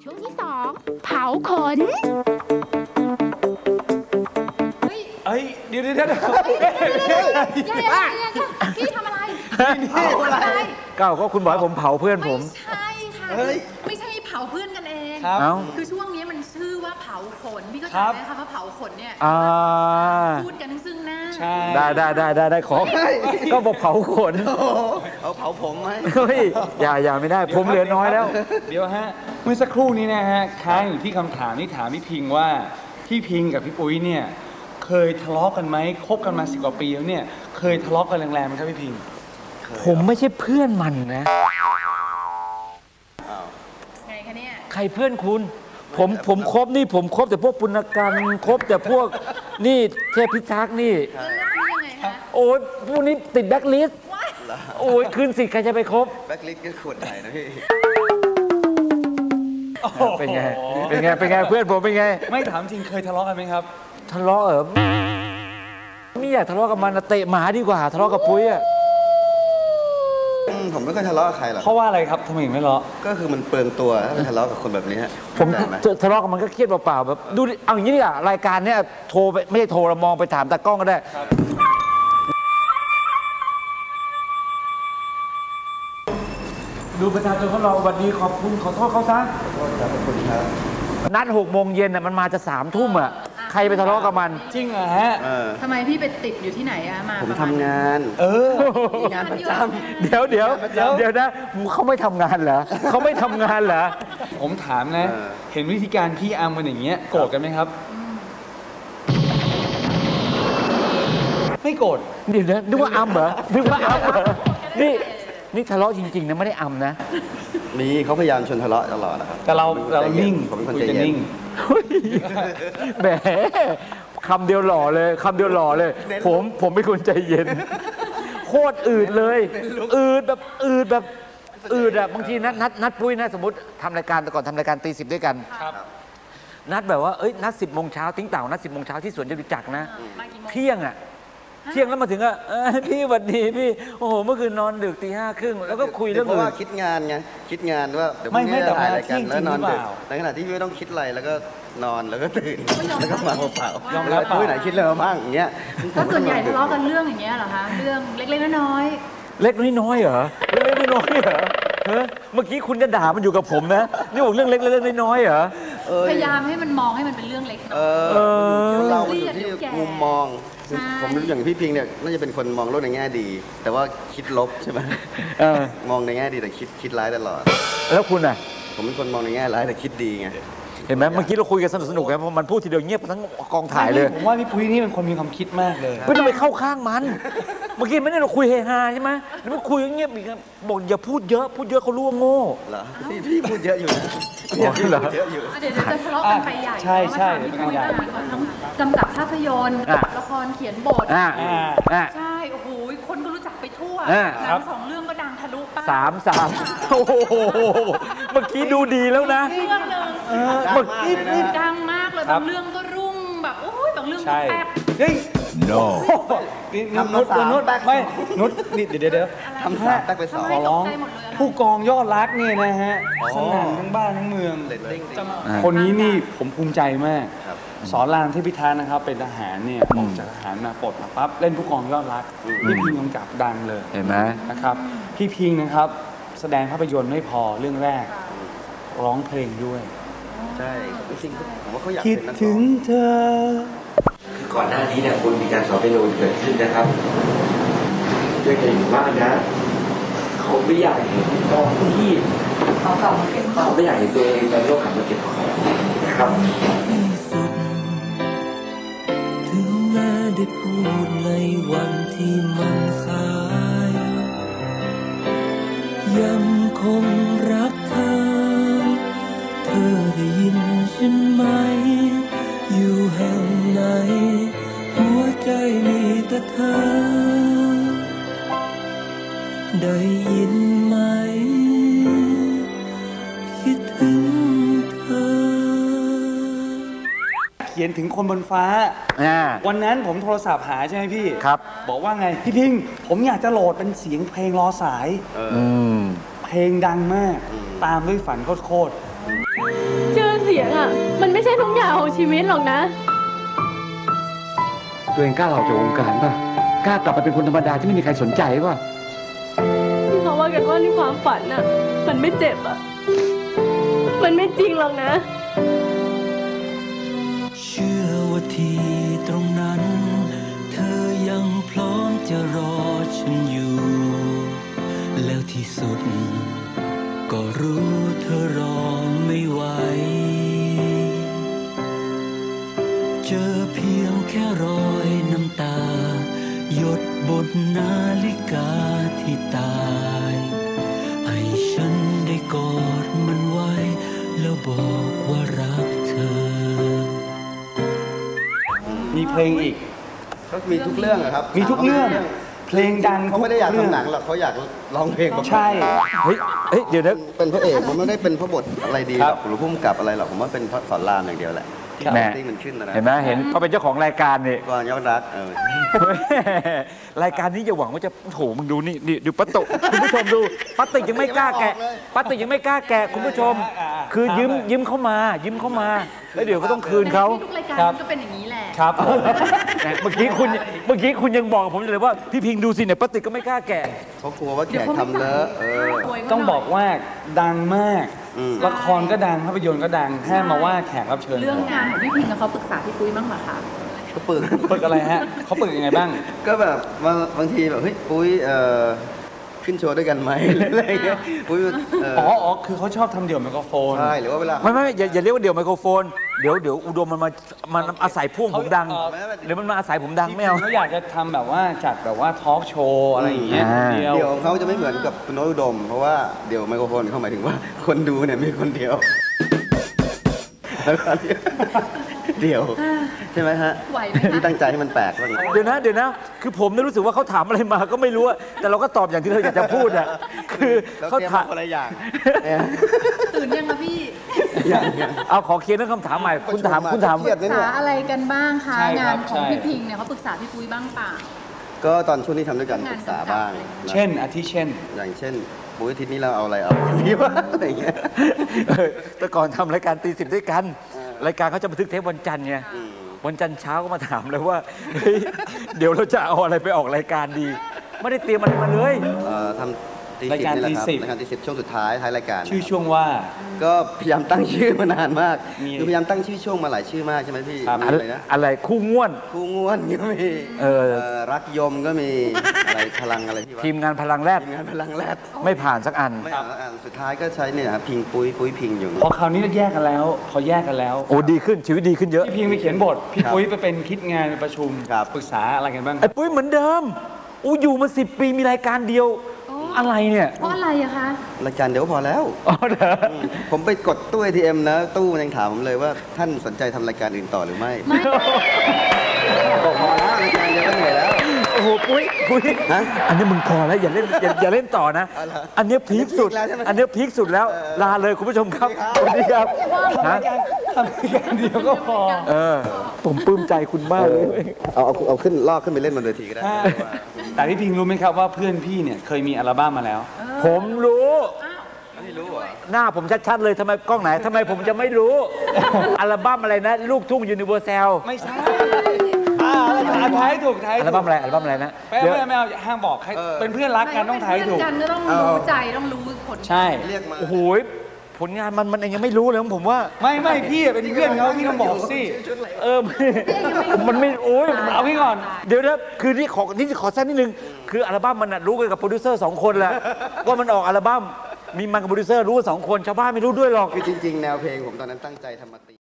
ช่วงที่2เผาขนเฮ้ยเดี๋ยวพี่ทำอะไรก้าวก็คุณบอกให้ผมเผาเพื่อนผมไม่ใช่ค่ะไม่ใช่เผาเพื่อนกันเองคือช่วงนี้มันชื่อว่าเผาขนพี่ก็จำได้ค่ะว่าเผาขนเนี่ยพูดกันซึ่งหน้าได้ขอก็บอกเผาขนเอาเผาผมไหมเฮ้ยอย่าไม่ได้ผมเหลือน้อยแล้วเดี๋ยวฮะเมื่อสักครู่นี้นะฮะค้างอยู่ที่คำถามที่ถามพี่พิงว่าพี่พิงกับพี่ปุ้ยเนี่ยเคยทะเลาะกันไหมคบกันมา10 กว่าปีแล้วเนี่ยเคยทะเลาะกันแรงๆไหมครับพี่พิงผมไม่ใช่เพื่อนมันนะไงคะเนี่ยใครเพื่อนคุณผมคบนี่ผมคบแต่พวกปุณกันคบแต่พวกนี่เทพพิทักษ์นี่โอ้ยพวกนี้ติดแบ็คลิสต์โอ้ยคืนสิใครจะไปคบแบ็คลิสต์ก็ขวดใหญ่นะพี่เป็นไงเพื่อนผมเป็นไงไม่ถามจริงเคยทะเลาะกันไหมครับทะเลาะไม่อยากทะเลาะกับมันเตะหมาดีกว่าทะเลาะกับปุ้ยผมไม่ค่อยทะเลาะกับใครหรอกเพราะว่าอะไรครับทำไมถึงไม่ทะเลาะก็คือมันเปลืองตัวถ้าไปทะเลาะกับคนแบบนี้ผมทะเลาะกับมันก็เครียดเปล่าๆแบบดูเอาอย่างนี้ดีกว่ารายการเนี้ยโทรไปไม่ใช่โทรเรามองไปถามตากล้องก็ได้ดูประชาชนของเราวันนี้ขอบคุณขอโทษเขาซะขอบคุณครับนัด6 โมงเย็นมันมาจะ3 ทุ่มใครไปทะเลาะกับมันจริงเหรอฮะทำไมพี่ไปติดอยู่ที่ไหนมาผมทำงานมีงานประจำเดี๋ยวนะเขาไม่ทำงานเหรอเขาไม่ทำงานเหรอผมถามนะเห็นวิธีการพี่อัมมันอย่างเงี้ยโกรธกันไหมครับไม่โกรธเดี๋ยวนะนึกว่าอัมเหรอนี่ทะเลาะจริงๆนะไม่ได้อัมนะนี่เขาพยายามชวนทะเลาะตลอดนะครับแต่เรานิ่งผมเป็นคนใจเย็นแหมคำเดียวหล่อเลยผมเป็นคนใจเย็นโคตรอืดเลยอืดแบบบางทีนัดปุ้ยนะสมมติทำรายการแต่ก่อนทำรายการตี 10ด้วยกันนัดแบบว่านัด10 โมงเช้าทิ้งเต่านัด10 โมงเช้าที่สวนจตุจักรนะเที่ยงแล้วมาถึงพี่วันดีพี่โอ้โหเมื่อคืนนอนดึกตี 5:30แล้วก็คุยเรื่องอื่นเพราะว่าคิดงานไงคิดงานว่าเดี๋ยวไม่ถ่ายรายการแล้วนอนดึกในขณะที่ไม่ต้องคิดอะไรแล้วก็นอนแล้วก็ตื่นแล้วก็มาเปล่ายอมรับปุ้ยไหนคิดอะไรมาบ้างอย่างเงี้ยก็ส่วนใหญ่ทะเลาะกันเรื่องอย่างเงี้ยเหรอคะเรื่องเล็กๆน้อยๆเล็กน้อยเหรอเมื่อกี้คุณจะด่ามันอยู่กับผมนะนี่บอกเรื่องเล็กน้อยเหรอพยายามให้มันมองให้มันเป็นเรื่องเล็กเราอยู่ที่มุมมองผมรู้อย่างพี่พิงเนี่ยน่าจะเป็นคนมองโลกในแง่ดีแต่ว่าคิดลบใช่ไหมมองในแง่ดีแต่คิดร้ายตลอดแล้วคุณอ่ะผมเป็นคนมองในแง่ร้ายแต่คิดดีไงเห็นไหมเมื่อกี้เราคุยกันสนุกไงเพราะมันพูดทีเดียวเงียบทั้งกองถ่ายเลยผมว่าพี่ปุ้ยนี่เป็นคนมีความคิดมากเลยไม่ต้องไปเข้าข้างมันเมื่อกี้ไม่ได้เราคุยเฮฮาใช่ไหมแล้วมาคุยเงียบอีกบอกอย่าพูดเยอะเขารู้ว่าโง่เหรอพี่พูดเยอะอยู่นะพี่เหรอเดี๋ยวจะทะเลาะกันไปใหญ่ใช่พี่ปุ้ยว่าเขาทั้งกำกับภาพยนตร์ละครเขียนบทใช่โอ้โหคนก็รู้จักไปทั่วหนัง2 เรื่องก็ดังทะลุป้า 3โอ้โหเมื่อกี้ดูดีแล้วนะเรื่องนึงดังมากเลยบางเรื่องก็รุ่งแบบโอ้ยบางเรื่องก็แป๊บเฮ้ย no นุชไม่นุชนี่เดี๋ยวทำ3แป๊กไป2 ขอร้องผู้กองยอดรักเนี่ยนะฮะสนั่นทั้งบ้านทั้งเมืองคนนี้นี่ผมภูมิใจมากสอนรามเทพิทักษ์นะครับเป็นทหารเนี่ยออกจากทหารมาปลดมาปั๊บเล่นผู้กองยอดรักพี่พิงกำกับดังเลยเห็นไหมนะครับพี่พิงนะครับแสดงภาพยนตร์ไม่พอเรื่องแรกร้องเพลงด้วยใช่จริงๆผมว่าเขาอยากคิดถึงเธอคือก่อนหน้านี้เนี่ยคุณมีการสอนเปียโนเกิดขึ้นนะครับด้วยกันอยู่บ้านนะเขาไม่อยากเห็นตอนที่เขาไม่อยากเห็นตัวเองในโลกขับมาเก็บของนะครับถึงแม้ได้พูดในวันที่มันสายยังคงรักเธอได้ยินฉันไหมอยู่แห่งไหนหัวใจมีแต่เธอได้ยินไหมคิดถึงเธอเขียนถึงคนบนฟ้าวันนั้นผมโทรศัพท์หาใช่ไหมพี่ครับบอกว่าไงพี่พิงผมอยากจะโหลดเป็นเสียงเพลงรอสายเพลงดังมากตามด้วยฝันโคตรชื่อเสียงอ่ะมันไม่ใช่ทุกอย่างของชีวิตหรอกนะตัวเองกล้าออกจากวงการป่ะกล้ากลับไปเป็นคนธรรมดาที่ไม่มีใครสนใจป่ะที่เขาว่ากันว่าในความฝันอ่ะมันไม่เจ็บอ่ะมันไม่จริงหรอกนะเชื่อว่าที่ตรงนั้นเธอยังพร้อมจะรอฉันอยู่แล้วที่สุดก็รู้เธอรอไม่ไหวเจอเพียงแค่รอยน้ำตาหยดบนนาฬิกาที่ตายให้ฉันได้กอดมันไว้แล้วบอกว่ารักเธอมีเพลงอีกก็มีทุกเรื่องอะครับมีทุกเรื่องเพลงดังเขาไม่ได้อยากทำหนังหรอกเขาอยากร้องเพลงใช่เฮ้ยเดี๋ยวนะเป็นพระเอกผมไม่ได้เป็นพระบทอะไรดีหรอกหรือพุ่มกับอะไรหรอกผมว่าเป็นพระสอนรามอย่างเดียวแหละที่แม่ที่มันขึ้นนะเห็นไหมเห็นเขาเป็นเจ้าของรายการนี่ก่อนยอดรักรายการนี้อย่าหวังว่าจะโถมึงดูนี่ดูป้าตุคุณผู้ชมดูป้าติกยังไม่กล้าแกะป้าติกยังไม่กล้าแกะคุณผู้ชม คือยิ้มเข้ามาแล้วเดี๋ยวก็ต้องคืนเขาทุกรายการก็เป็นอย่างนี้แหละครับเมื่อกี้คุณยังบอกผมเลยว่าพี่พิงดูสิเนี่ยป้าติกก็ไม่กล้าแกะเขากลัวว่าแขกทำเลอะต้องบอกว่าดังมากละครก็ดังภาพยนตร์ก็ดังแค่มาว่าแขกรับเชิญเรื่องงานของพี่พิงเขาปรึกษาพี่ปุ้ยบ้างไหมคะก็ปึกอะไรฮะเขาปึกยังไงบ้างก็แบบบางทีแบบเฮ้ยปุ้ยขึ้นโชว์ด้วยกันไหมอะไรเงี้ยปุ้ยอ๋อคือเขาชอบทำเดี่ยวไมโครโฟนใช่หรือว่าเวลาไม่อย่าเรียกว่าเดี่ยวไมโครโฟนเดี๋ยวอุดมมันอาศัยพ่วงผมดังหรือมันมาอาศัยผมดังไม่เอาเขาอยากจะทำแบบว่าจัดแบบว่าทอล์กโชว์อะไรอย่างเงี้ยเดี่ยวของเขาจะไม่เหมือนกับคุณโน้ตอุดมเพราะว่าเดี่ยวไมโครโฟนเขาหมายถึงว่าคนดูเนี่ยมีคนเดียวแล้วก็เดี่ยวใช่ไหมฮะที่ตั้งใจให้มันแปลกบ้างเดี๋ยวนะคือผมรู้สึกว่าเขาถามอะไรมาก็ไม่รู้แต่เราก็ตอบอย่างที่เราอยากจะพูดอ่ะคือเขาถามอะไรอย่างตื่นยังคะพี่เอาขอเคลียร์เรื่องคำถามใหม่คุณถามปรึกษาอะไรกันบ้างคะงานของพี่พิงเนี่ยเขาปรึกษาพี่ปุ้ยบ้างเปล่าก็ตอนช่วงนี้ทำด้วยกันปรึกษาบ้างเช่นอาทิเช่นอย่างเช่นปุ้ยอาทิตย์นี้เราเอาอะไรเอาดีวะอะไรเงี้ยแต่ก่อนทำรายการตี 10ด้วยกันรายการเขาจะบันทึกเทปวันจันทร์ไงวันจันทร์เช้าก็มาถามเลยว่าเดี๋ยวเราจะเอาอะไรไปออกรายการดีไม่ได้เตรียมอะไรมาเลยทำรายการตี 10ช่วงสุดท้ายรายการชื่อช่วงว่าก็พยายามตั้งชื่อมานานมากคือพยายามตั้งชื่อช่วงมาหลายชื่อมากใช่ไหมพี่อะไรคู่ง่วนก็มีรักยมก็มีอะไรพลังอะไรที่ว่าทีมงานพลังแรดไม่ผ่านสักอันสุดท้ายก็ใช้เนี่ยพิงปุ้ยพิงอยู่พอคราวนี้แยกกันแล้วเขาแยกกันแล้วโอ้ดีขึ้นชีวิตดีขึ้นเยอะพี่พิงไปเขียนบทพี่ปุ้ยไปเป็นคิดงานประชุมปรึกษาอะไรกันบ้างไอ้ปุ้ยเหมือนเดิมอยู่มา10 ปีมีรายการเดียวอะไรเนี่ยเพราะอะไรอะคะรายการเดี๋ยวพอแล้วผมไปกดตู้ ATM นะตู้มันยังถามผมเลยว่าท่านสนใจทำรายการอื่นต่อหรือไม่บอกพอแล้วรายการเดี๋ยวก็เหนื่อยแล้วโอ้โหปุ้ยอันนี้มึงพอแล้วอย่าเล่นต่อนะอันนี้พีคสุดแล้วลาเลยคุณผู้ชมครับสวัสดีครับทำรายการเดียวก็พอผมปลื้มใจคุณมากเลยเอาขึ้นลอกขึ้นไปเล่นบนเวทีก็ได้แต่พี่พิงรู้ไหมครับว่าเพื่อนพี่เนี่ยเคยมีอัลบั้มมาแล้วผมรู้หน้าผมชัดๆเลยทำไมกล้องไหนทำไมผมจะไม่รู้อัลบั้มอะไรนะลูกทุ่งยูนิเวอร์แซลไม่ใช่ท้ายถูกท้ายอัลบั้มอะไรนะไม่เอาห้ามบอกใครเป็นเพื่อนรักกันต้องท้ายถูกกันก็ต้องรู้ใจต้องรู้ผลใช่เรียกมาโอ้โหผลงานมันเองยังไม่รู้เลยผมว่าไม่พี่เป็นเพื่อนเขาพี่ต้องบอกสิมันไม่โอ้ยเอาพี่ก่อนเดี๋ยวนะคือนี่ขอแทรกนิดนึงคืออัลบั้มมันรู้กันกับโปรดิวเซอร์2 คนแหละว่ามันออกอัลบั้มมีมันกับโปรดิวเซอร์รู้2 คนชาวบ้านไม่รู้ด้วยหรอกคือจริงๆแนวเพลงผมตอนนั้นตั้งใจทำมาตี